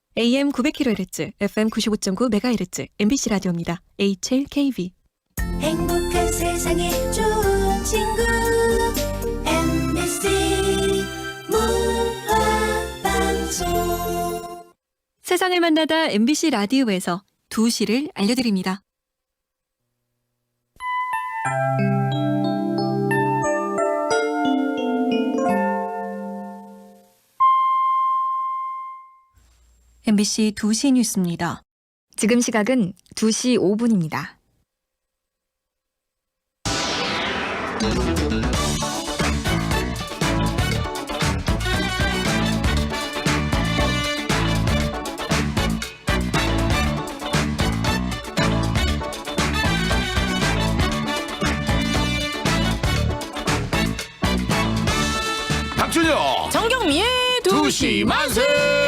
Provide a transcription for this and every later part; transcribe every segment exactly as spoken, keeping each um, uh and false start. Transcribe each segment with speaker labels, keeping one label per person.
Speaker 1: 에이엠 구백 킬로헤르츠, 에프엠 구십오 점 구 메가헤르츠, 엠비씨 라디오입니다. 에이치엘케이비.
Speaker 2: 행복한 세상에 좋은 친구 엠비씨 문화방송.
Speaker 1: 세상을 만나다 엠비씨 라디오에서 두 시를 알려드립니다. 엠비씨 두 시 뉴스입니다.
Speaker 3: 지금 시각은 두 시 오 분입니다.
Speaker 4: 박준영
Speaker 5: 정경미의
Speaker 4: 두 시 만세.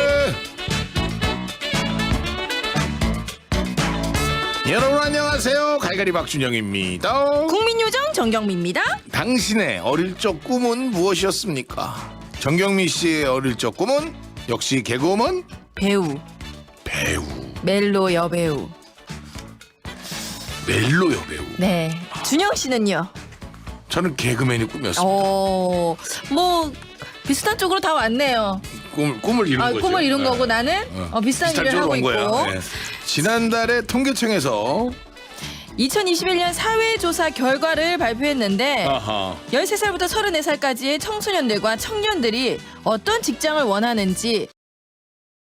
Speaker 4: 여러분 안녕하세요. 갈갈이 박준영입니다.
Speaker 5: 국민요정 정경미입니다.
Speaker 4: 당신의 어릴 적 꿈은 무엇이었습니까? 정경미 씨의 어릴 적 꿈은 역시 개그우먼
Speaker 5: 배우,
Speaker 4: 배우,
Speaker 5: 멜로 여배우.
Speaker 4: 멜로 여배우.
Speaker 5: 네. 준영 씨는요?
Speaker 4: 저는 개그맨이 꿈이었습니다.
Speaker 5: 어, 뭐 비슷한 쪽으로 다 왔네요.
Speaker 4: 꿈, 꿈을 이룬
Speaker 5: 아,
Speaker 4: 거죠.
Speaker 5: 꿈을 이룬
Speaker 4: 네.
Speaker 5: 거고 나는
Speaker 4: 어.
Speaker 5: 어, 비슷한,
Speaker 4: 비슷한
Speaker 5: 일을 하고
Speaker 4: 쪽으로 온
Speaker 5: 있고.
Speaker 4: 거예요. 네. 지난달에 통계청에서
Speaker 5: 이천이십일 년 사회조사 결과를 발표했는데
Speaker 4: 아하.
Speaker 5: 열세 살부터 서른네 살까지의 청소년들과 청년들이 어떤 직장을 원하는지